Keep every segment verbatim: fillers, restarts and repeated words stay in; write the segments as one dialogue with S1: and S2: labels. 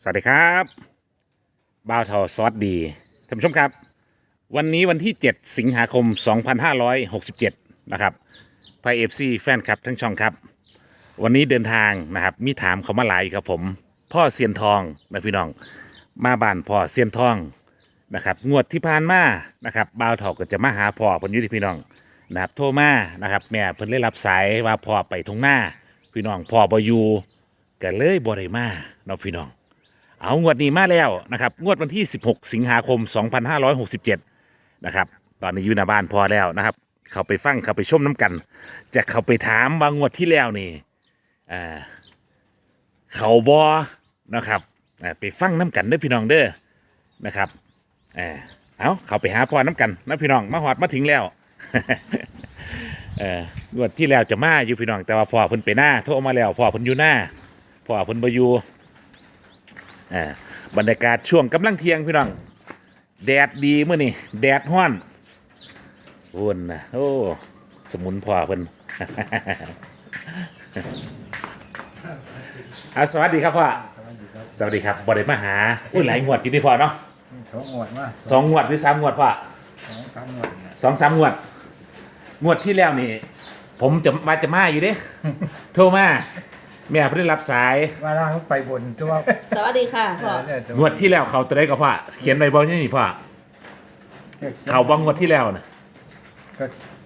S1: สวัสดีครับบ่าวทอซอสดีท่านผู้ชมครับวันนี้วันที่ เจ็ด สิงหาคม สองพันห้าร้อยหกสิบเจ็ด นะครับไพเอฟซีแฟนคลับทั้งช่องครับวันนี้เดินทางนะครับมีถามเขามาหลายครับผมพ่อเซียนทองนะพี่น้องมาบ้านพ่อเซียนทองนะครับงวดที่ผ่านมานะครับบ่าวทอก็จะมาหาพ่อเพิ่นอยู่ที่พี่น้องนะครับโทรมานะครับแม่เพิ่นเลยรับสายว่าพ่อไปทุ่งนาพี่น้องพ่อบ่อยู่ก็เลยบ่ได้มาเนาะพี่น้อง เอางวดนี้มาแล้วนะครับงวดวันที่ สิบหก สิงหาคม สองพันห้าร้อยหกสิบเจ็ด นะครับตอนนี้อยู่หน้าบ้านพอแล้วนะครับเขาไปฟังเขาไปชมน้ำกัน จะเขาไปถามว่างวดที่แล้วนี่อ่าเขาบอนะครับอ่าไปฟังน้ำกันเด้อพี่น้องเด้อนะครับอ่าเอาเขาไปหาพ่อน้ำกันนะพี่น้องมาหอดมาถึงแล้ว เอองวดที่แล้วจะมาอยู่พี่น้องแต่ว่าพ่อเพิ่นไปหน้าโทรมาแล้วพ่อเพิ่นอยู่หน้าพ่อเพิ่นบ่อยู่ อ่าบรรยากาศช่วงกำลังเที่ยงพี่น้องแดดดีเมื่อนี่แดดห้อนวุ่นนะโอ้สมุนพอเพิ่น อาสวัสดีครับพ่อสวัสดีครับบริมาหาอุ้ยหลายงวดอยู่ที่พ่อเนาะ
S2: สองงวดมา
S1: สองงวดหรือสามงวดพ่อ
S2: สองสามงวด
S1: สองสามงวดงวดที่แล้วนี่ ผมจะมาจะมาอยู่เด้ โทรมาแม่เพิ่งรับสาย
S2: ว่าล่างไปบนตัว
S3: สวัสดีค่ะพ่อ
S1: งวดที่แล้วเขาตัวได้ก็พ่อเขียนใบบอลนี่พ่อเขาบ้างงวดที่แล้วนะ
S2: ก็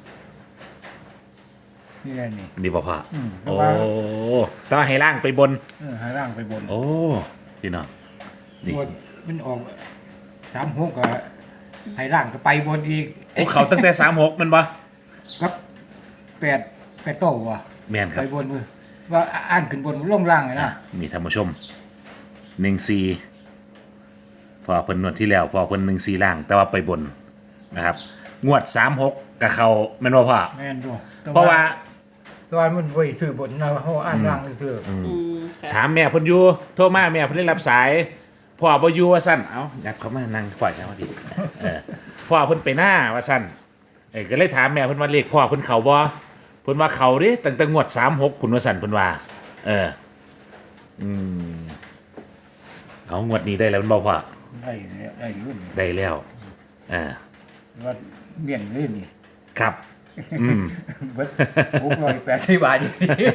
S2: นี่แหละนี่
S1: ดีป่ะพ่อโอ้
S2: ว่า
S1: ต้องให้ล่างไปบน
S2: เออให้ล่างไปบน
S1: โอ้พี่น้องดี
S2: งวดมันออกสามหกก็ให้ล่างก็ไปบนอีก
S1: โอ้เขาตั้งแต่สามหกมันปะ
S2: ครับแปดแปดโตวะ
S1: แม่นครับ
S2: ไปบนมือว่าอ่านขึ้นบนลงล่างเลยนะ
S1: มีท่านผู้ชมหนึ่งซีพอเพิ่นงวดที่แล้วพอเพิ่นหนึ่งซีล่าง แต่ว่าไปบนนะครับงวดสามหกกับเขาแม่นว่าพ่อ
S2: แม่นด้วย
S1: เพราะว่า
S2: ตัวมันไว้ซื้อบนนะเพราะอ่านล่างซื้อ
S1: ถามแม่เพิ่นอยู่โทรมาแม่เพิ่นได้รับสายพ่อบ่อยู่ว่าซั่นเอ้าอยากเขามานั่งปล่อยจังว่าดีเออพ่อเพิ่นไปหน้าว่าซั่นเอ้ก็เลยถามแม่เพิ่นว่าเลขพ่อเพิ่นเข้าบ่เพิ่นว่าเขาเด้ตั้งแต่งวดสามหกพุ่นว่าซั่นเพิ่นว่าเอออืมเอางวดนี้ได้แล้วมันบ่พ่อ
S2: ได้แล้วได้รุ่น
S1: ได้แล้วอ่า
S2: ว่าเมี่ยนเลยนี่
S1: ครับอืม
S2: เบิดหกร้อยแปดสิบบาท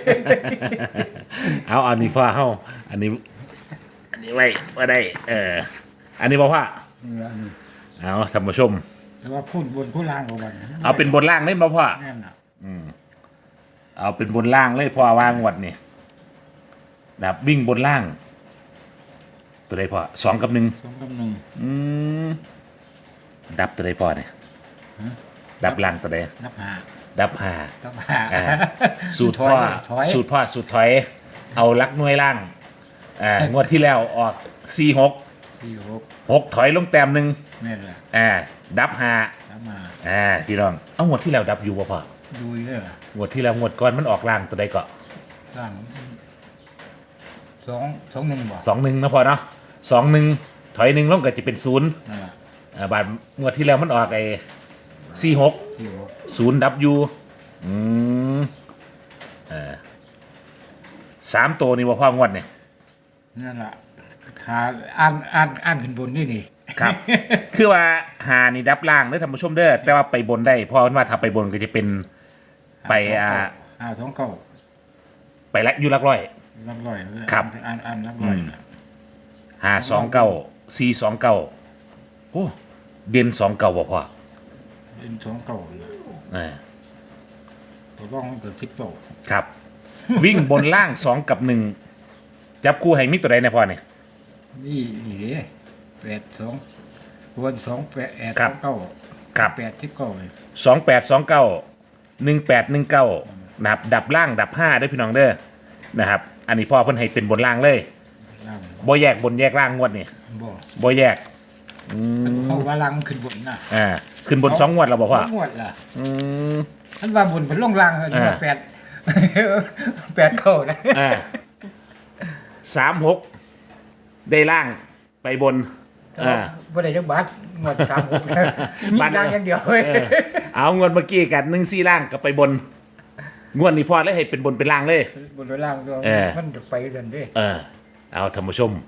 S1: เอาอันนี้พ่อเฮาอันนี้อันนี้ไว้ว่าได้เอออันนี้บ่พ่อเอาท่านผู้ชม
S2: แต่ว่าพูดบนพูดล่างของมัน
S1: เอาเป็นบนล่างเล่นบ่พ่อ
S2: แน่นน่ะ
S1: อืมเอาเป็นบนล่างเลยพ่อวางวัดนี่นะครับวิ่งบนล่างตัวใดพ่อสองกับหนึ่ง
S2: สองกับหนึ่ง
S1: อืมดับตัวใดพ่อเนี่ยดับล่างตัวใด
S2: ดับห้า
S1: ดับห้า
S2: ดับห้า
S1: สูตรพ่อสูตรพ่อสูตรถอยเอาลักหน่วยล่างอ่างวดที่แล้วออกสี่หก
S2: สี่หก
S1: หกถอยลงแต้มหนึ่ง
S2: นี่แหละ
S1: อ่าดับห้า
S2: ดับห้า
S1: อ่าพี่น้องเอางวดที่แล้วดับอยู่ป่ะพ่อ
S2: ดูเยอะ
S1: งวดที่แล้วงวดก่อนมันออกล่างตัวใดก็
S2: ล่างสองสองหนึ่งบ่
S1: สองหนึ่งนะพ่อเนาะสองหนึ่งถอยหนึ่งลงก็จะเป็นศูนย์อ่าบาทงวดที่แล้วมันออกไอ้สี่หกศูนย์ดับยูอืมอ่าสามตัวนี่ว่าพ่องวดเนี่ย
S2: นั่นแหละขาอ่านอ่านอ่านขึ้นบนนี่นี่
S1: ครับ คือว่าหานี่ดับล่างเด้อท่านผู้ชมเด้อแต่ว่าไปบนได้เพราะว่าถ้าไปบนก็จะเป็นไปอ่า
S2: อ่าท้องเก่า
S1: ไปละอยู่ลักร้อย
S2: ลักร้อย
S1: ครับ
S2: อ่านอ่านลักร้อย
S1: หาสองเก้าสี่สองเก้าโอ้เด่นสองเก้าบ่พ่อ
S2: เด่นสองเก้า
S1: อ่า
S2: ตัวร่องเกิดทิปโต
S1: ครับ วิ่งบนล่างสองกับหนึ่งจับคู่ให้มิตัวใดเนี่ยพ่อเนี่ย
S2: นี่นี่แปดสองวนสองแปดแปดสองเก้า
S1: ครับ
S2: แปดทิปเก้าเลย
S1: สองแปดสองเก้าหนึ่งแปดหนึ่งเก้านะครับดับล่างดับห้าได้พี่น้องเด้อนะครับอันนี้พ่อเพิ่นให้เป็นบนล่างเลยบ่แยกบนแยกล่างงวดนี่
S2: บ่
S1: บ่แยก
S2: เขาว่าล่างขึ้นบนน่ะ
S1: อ่าขึ้นบนสองงวดแล้วบ่พ่อ
S2: สองงวดล่ะ
S1: อืม
S2: ท่านว่าบนเป็นลงล่างเลยแปดแปดเก้านะ
S1: อ่าสามหกได้ล่างไปบน
S2: อ่าบ่ได้จักบาทงวดสามหกมีล่างอย่างเดียวเว้ย
S1: เอางวดเมื่อกี้กันหนึ่งสี่ล่างก็ไปบนงวดนี้พ่อเลยให้เป็นบนเป็นล่างเลย
S2: บนเป็นล่างด้วยมันจะไปกันดิ
S1: เออเอาท่านผู้ชม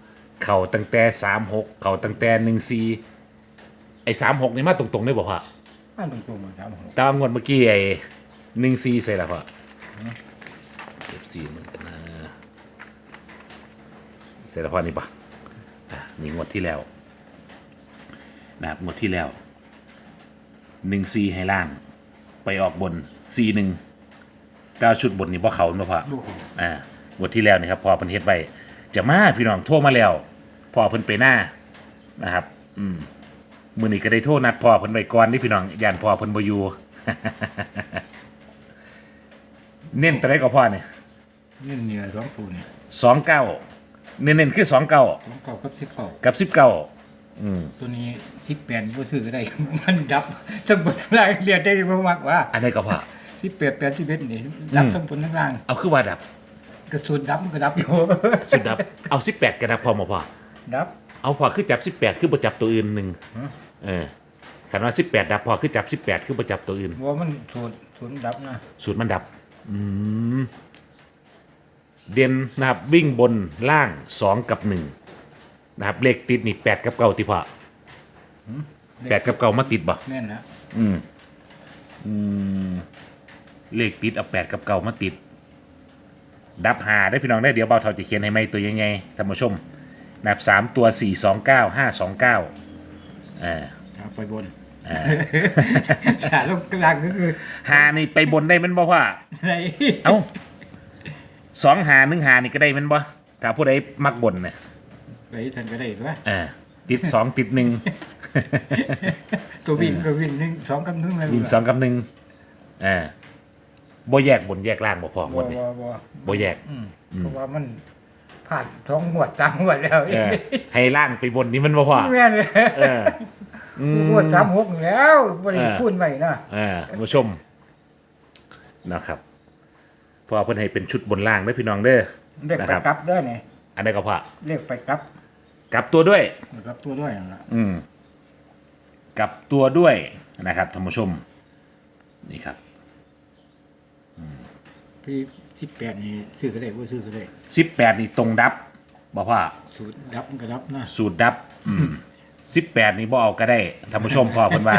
S1: เข่าตั้งแต่สามหกเข่าตั้งแต่หนึ่งสี่ไอ้สามหกนี่มาตรงๆได้บอกว่า
S2: อันตรงๆมาสามหก
S1: ตามงวดเมื่อกี้ไอ้หนึ่งสี่ใส่ละพ่อเอฟซีเหมือนกันนะใส่ละพ่อนี่ปะอ่ะนี่งวดที่แล้วนะครับงวดที่แล้วหนึ่งสี่ให้ล่างไปออกบนสี่หนึ่งเก้าชุดบนนี่พ่อเขาเนาะพ่อ
S2: ลูก
S1: อ่างวดที่แล้วนี่ครับพอเพิ่นเฮ็ดไว้จะมาพี่น้องโทรมาแล้วพอเพิ่นไปหน้านะครับอืมมื้อนี้ก็ได้โทรนัดพอเพิ่นไว้ก่อนนี่พี่น้องย่านพอเพิ่นบ่อยู่ เน้นตัวใดก็พอเนี่ย
S2: นี่เหนือสองตัวเนี่ย
S1: สองเก้าเน้นๆคือสองเก้า
S2: สองเก่ากับสิบเก่า
S1: กับสิบเก้า
S2: ตัวนี้สิบแปดก็ซื้อก็ได้ มันดับทั้งบนทั้งล่างเรียนได้บ่มากว่า
S1: อันใดก็พอ
S2: สิบแปดแปดสิบเอ็ดนี่ดับทั้งบนทั้งล่าง
S1: เอาคือว่าดับ
S2: กระสุนดับมันก็ดับอยู่
S1: สุดดับเอาสิบแปดก็ดับพอมาพอ
S2: ดับ
S1: เอาพอคือจับสิบแปดคือบ่จับตัวอื่นหนึงเออคันว่าสิบแปดดับพอคือจับสิบแปดคือบ่จับตัวอื่น
S2: ว่ามันสูนสูนดับนะ
S1: สูตรมันดับอืมเด่นนะครับวิ่งบนล่างสองกับหนึ่งนะครับเลขติดนี่แปดกับเก้าติพอแปดกับเก้ามาติดบ่
S2: แน่นนะ
S1: เลขติดเอาแปดกับเก้ามาติด ดับหาได้พี่น้องได้เดี๋ยวเบาเท่าจะเขียนให้ไหมตัวยังไงท่านผู้ชมนะครับสามตัวสี่สองเก้าห้าสองเก้าอ่า
S2: ถ้าไปบนขาลงกลางก็คือ
S1: หานี่ไปบนได้แมันบ่ว่า
S2: ไหน
S1: เอ้าสองหาหนึ่งหานี่ก็ได้แมันบ่ถ้าผู้ใดมักบนเนี่ย
S2: ไปทันก็ได้ด้วย
S1: อ่าติดสองติดหนึ่ง
S2: ตัววิ่งตัววิ่งหนึ่งสองกับหนึ่งเลย
S1: วิ่งสองกับหนึ่งอ่าบ่แยกบนแยกล่างบ่พอหม
S2: บ่
S1: ดนี่
S2: บ่บ่
S1: บ่แยก
S2: เพราะว่ามันผ่านสองหวดตามหวดแล้ว
S1: เออให้ล่างไปบนนี่มันบ่พอ
S2: แม่นเลย
S1: เออ
S2: หวดสามหกแล้วบริ
S1: เออ
S2: พูดใหม่นะ
S1: อ่าท่านผู้ชมนะครับเพอเพิ่นให้เป็นชุดบนล่างเด้อพี่น้องเด้อ
S2: เรียก
S1: นะ
S2: ไป
S1: ครับ
S2: กลับได้ไง
S1: อันใดก็พอ
S2: เรียกไปกลับ
S1: กลับตัวด้วย
S2: กลับตัวด้วยนั่นล่ะ
S1: กลับตัวด้วยนะครับท่านผู้ชมนี่ครับ
S2: พี่สิบแปดนี่ซื้อก็ได้ว่าซื้อก็ได้
S1: สิบแปดนี่ตรงดับบ่พ่อ
S2: สูตรดับมันก็ดับนะ
S1: สูตรดับสิบแปดนี่บ่เอาก็ได้ท่านผู้ชมพอเพิ่นว่า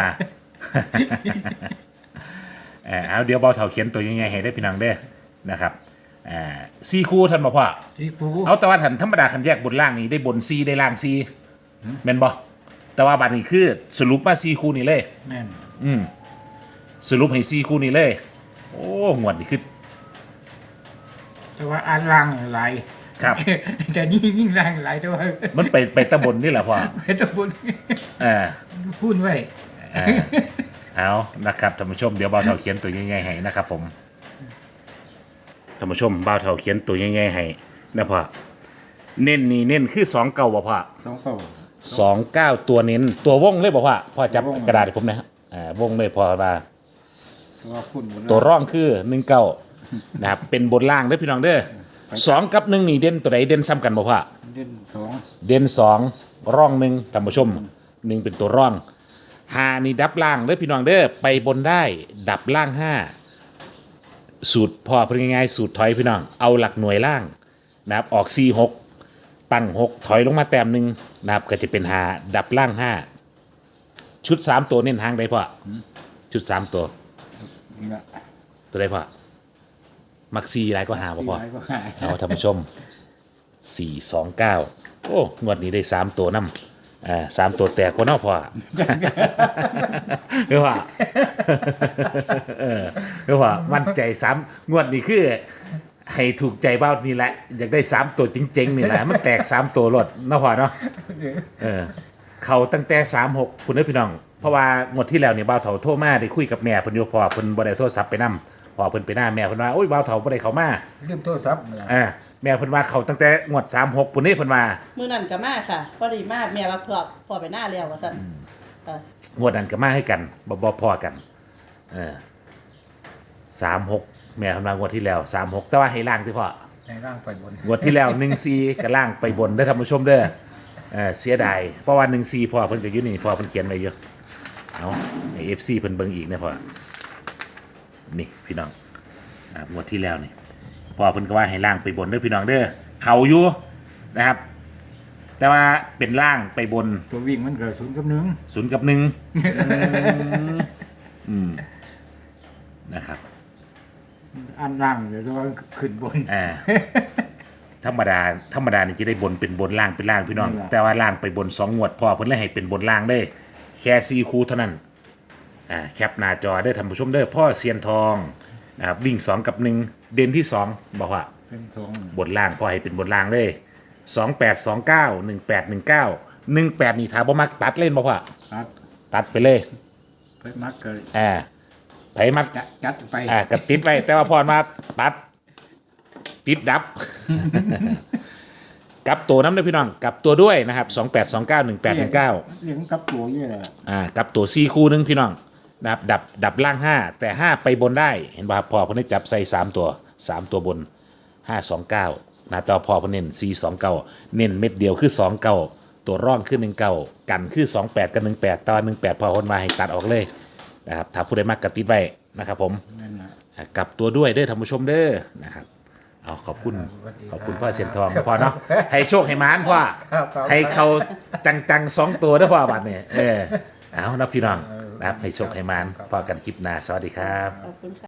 S1: เออเอาเดี๋ยวเบาเถาเขียนตัวยังไงให้ได้พี่น้องเด้อนะครับอ่าซีคู่ท่านบ่พ่อ
S2: สีปู
S1: เอาแต่ว่าทันธรรมดาคันแยกบนล่างนี่ได้บนซีได้ล่างซีแม่นบ่แต่ว่าบัดนี้คือสรุปมาซีคู่นี่เลย
S2: แม่น
S1: สรุปให้ซีคู่นี่เลย โอ้งวดนี่คือ
S2: แต่ว่าอ่านล่างหลาย
S1: ครับ
S2: แต่นี่ยิ่งล่างหลายแต่ว่า
S1: มันไปไปตะบนนี่แหละพ่อ
S2: ไม่ต้องพูด
S1: เออ
S2: พูดไว้
S1: เออเอานะครับท่านผู้ชมเดี๋ยวบ่าวเถาเขียนตัวยังไงให้นะครับผมท่านผู้ชมบ่าวเถาเขียนตัวยังไงให้นะพ่อเน้นนี่เน้นคือสองเก้าบ่พ่อ
S2: สองเก้า
S1: สองเก้าตัวเน้นตัววงเลยบ่พ่อพ่อจับ
S2: ตัววง
S1: กระดาษให้ผมหนะครับอ่าวงเลยพอมา
S2: แต่ว่าพูดหมด
S1: ตัวร่องคือหนึ่งเก้านะครับเป็นบนล่างเด้อพี่น้องเด้อสองกับหนึ่งนี่เด่นตัวไหนเด่นซ้ำกันบ่พ่อ
S2: เล่นสอง
S1: เด่นสองร่องหนึ่งท่านผู้ชมหนึ่งเป็นตัวร่องหานี่ดับล่างเด้อพี่น้องเด้อไปบนได้ดับล่างห้าสูตรพอเป็นง่ายๆสูตรถอยพี่น้องเอาหลักหน่วยล่างนะครับออกสี่หกตั้งหกถอยลงมาแต้มหนึ่งนะครับก็จะเป็นหาดับล่างห้าชุดสามตัวเน้นหางได้พ่อชุดสามตัว
S2: นี่ละ
S1: ตัวได้พ่อมักซีไรก็หาบ่พ่อ
S2: สี่ร้อยก็หาย
S1: เอาท่านผู้ชมสี่สองเก้าโอ้งวดนี้ได้สามตัวน้ำอ่าสามตัวแตกพอเนาะพ่อ เรียกว่า เออเรียกว่ามั่นใจสามงวดนี้คือ ให้ถูกใจเบ้านี่แหละ อยากได้สามตัวจริงๆนี่แหละ มันแตกสามตัวรถเนาะพ่อเนาะเออเขาตั้งแต่สามหกคุณพี่น้อง เพราะว่างวดที่แล้วเนี่ยเบ้าเถาโทรมาได้คุยกับแม่เพิ่นอยู่พอเพิ่นบ่ได้โทรศัพท์ไปนำพอเพิ่นไปหน้าแม่เพิ่นว่าโอ้ยเบ้าเถาบ่ได้เข้ามา
S2: เรื่องโทรศัพท์นี่ล่ะ
S1: อ่าแม่เพิ่นว่าเขาตั้งแต่งวดสามหกปุ่นนี่เพิ่นว่า
S3: มือนั่นก็มาค่ะพอดีมากแม่ว่าพอพอไปหน้าแล้วว่าซั่นค่ะ
S1: งวดนั้นก็มาให้กันบ่บ่พอกันเออสามหกแม่เพิ่นว่างวดที่แล้วสามหกแต่ว่าให้ล่างที่พ่อ
S2: ในร่างไปบน
S1: งวดที่แล้วหนึ่งสี่ก็ล่างไปบนได้อท่านผู้ชมเด้อเออเสียดายเพราะว่าหนึ่งสี่พ่อเพิ่นก็อยู่นี่พ่อเพิ่นเขียนไว้อยู่เอาให้ เอฟ ซี เพิ่นเบิ่งอีกนะพ่อนี่พี่น้องอ่างวดที่แล้วนี่พ่อเพิ่นก็ว่าให้ล่างไปบนเด้อพี่น้องเด้อเขาอยู่นะครับแต่ว่าเป็นล่างไปบน
S2: ตัววิ่งมันก็ศูนย์กับหนึ่ง
S1: ศูนย์กับหนึ่งอืมนะครับ
S2: อันล่างเดี๋ยวตัวขึ้นบน
S1: อ่าธรรมดาธรรมดานี่จะได้บนเป็นบนล่างเป็นล่างพี่น้อง
S2: นั่นล่ะ
S1: แต่ว่าล่างไปบนสองงวดพอเพิ่นเลยให้เป็นบนล่างได้ แค่ซีคูเท่านั้นอ่าแคปหน้าจอได้อท่านผู้ชมเด้อพ่อเซียนทองนะครับวิ่งสองกับหนึ่งเด่นที่สองบอกว่า
S2: เป็นสอง
S1: บนล่างพ่อให้เป็นบนล่างเลยสองแปดสองเก้าหนึ่งแปดหนึ่งเก้าหนึ่งแปดนี่ถ้าบ่มักตัดเล่นบ่พ่อ
S2: ตัด
S1: ตัดไปเลย
S2: ไปมัดก็
S1: อ่าไผมัก
S2: จัดจัดไป
S1: อ่ากับติดไปแต่ว่าพอมาตัดติดดับ กลับตัวน้ำด้วยพี่น้องกลับตัวด้วยนะครับสองแปดสองเก้าหนึ่งแปดหนึ่งเก้า
S2: เลี้ยงกับตัวเยอะเลย
S1: อ่ากลับตัวซีคู่หนึงพี่น้องนะครับดับดับล่างห้าแต่ห้าไปบนได้เห็นป่ะครับพอเพิ่นได้จับใส่สามตัวสามตัวบนห้าสองเก้านะครับแต่ว่าพอเพิ่นเน้นสี่สองเก้าเน้นเม็ดเดียวคือสองเก้าตัวร่องคือหนึ่งเก้ากันคือสองแปดกับหนึ่งแปดตอนหนึ่งแปดพอคนมาให้ตัดออกเลยนะครับถ้าผู้ใดมากกติดไว้นะครับผม
S2: นั่นนะ
S1: อ่ะกลับตัวด้วยเด้อท่านผู้ชมเด้อนะครับเอาขอบคุณขอบคุณพ่อเสียนทองนะพ่อเนาะให้โชคให้มานพ่อให้เขาจังๆสองตัวนะพ่อบัดเนี่ยเออเอานะพี่น้องนะครับให้โชคให้มานพอกันคลิปหน้าสวัสดีครับ
S3: ขอบคุณค่ะ